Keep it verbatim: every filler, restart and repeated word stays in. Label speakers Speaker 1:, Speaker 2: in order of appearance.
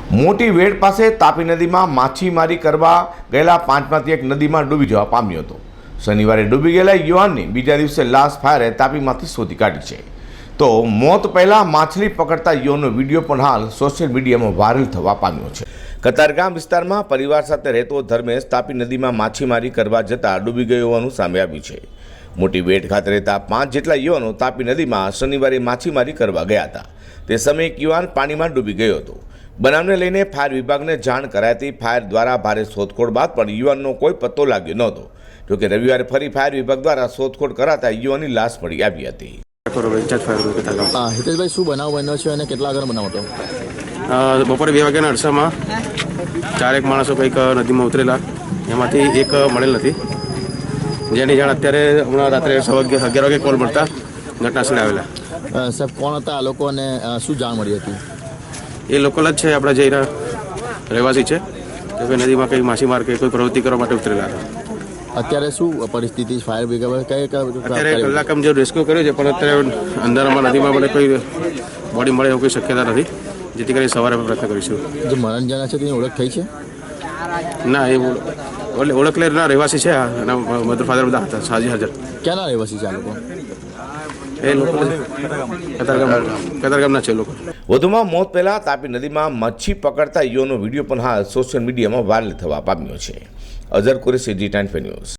Speaker 1: મોટી વેડ પાસે તાપી નદીમાં માછીમારી કરવા ગયેલા પાંચમાંથી એક નદીમાં ડૂબી જવા પામ્યો હતો। શનિવારે ડૂબી ગયેલા યુવાનની બીજા દિવસે લાશ ફાયરે તાપીમાંથી શોધી કાઢી છે। તો મોત પહેલાં માછલી પકડતા યુવાનનો વિડીયો પણ હાલ સોશિયલ મીડિયામાં વાયરલ થવા પામ્યો છે। કતારગામ વિસ્તારમાં પરિવાર સાથે રહેતો ધર્મેશ તાપી નદીમાં માછીમારી કરવા જતાં ડૂબી ગયો હોવાનું સામે આવ્યું છે। મોટી વેટ ખાતે રહેતા પાંચ જેટલા યુવાનો તાપી નદીમાં શનિવારે માછીમારી કરવા ગયા હતા। તે સમયે એક યુવાન પાણીમાં ડૂબી ગયો હતો। બનાવને લઈને ફાયર વિભાગને જાણ કરાતી ફાયર દ્વારા ભારે શોધખોળ બાદ પણ યુવાનનો કોઈ પત્તો લાગ્યો નહોતો। જોકે રવિવારે ફરી ફાયર વિભાગ દ્વારા શોધખોળ કરાતા યુવાનની લાશ મળી આવી હતી।
Speaker 2: હિતેશભાઈ, શું બનાવ બન્યો છે અને કેટલા આગળ બનાવ હતો?
Speaker 3: બપોરે બે વાગ્યાના અરસામાં ચારેક માણસો કંઈક નદીમાં ઉતરેલા, એમાંથી એક મળેલ નથી, જેની જાણ અત્યારે હમણાં રાત્રે સવા અગિયાર વાગે કોલ મળતા ઘટનાસ્થળે આવેલા।
Speaker 2: સાહેબ, કોણ હતા આ લોકો અને શું જાણ મળી હતી?
Speaker 3: એ લોકલ જ છે, આપણા જઈના રહેવાસી છે કે કોઈ નદીમાં કંઈ માછીમાર કે કોઈ પ્રવૃત્તિ કરવા માટે ઉતરેલા હતા।
Speaker 2: અત્યારે શું પરિસ્થિતિ? ફાયર બ્રિગેડ કઈ
Speaker 3: અત્યારે કલાકમ જે રેસ્ક્યુ કર્યું છે, પણ અત્યારે અંધારામાં નદીમાં મને કોઈ બોડી મળે એવું કોઈ શક્યતા નથી, જેથી કરીને સવારે પ્રયત્ન કરીશું।
Speaker 2: જે મરણ જણા છે તેની ઓળખ થઈ છે?
Speaker 3: ના, એ ઓળખ લેરના રહેવાસી છે અને મધર ફાધર બધા હતા હાજી હાજર।
Speaker 2: ક્યાંના રહેવાસી છે આ લોકો?
Speaker 3: એ લોકો કતારગામ કતારગામના છે લોકો।
Speaker 1: વધુમાં મોત પહેલા તાપી નદીમાં મચ્છી પકડતા યુવાનો વિડીયો પણ હાલ સોશિયલ મીડિયામાં વાયરલ થવા પામ્યો છે। Azhar Qureshi, G ten news.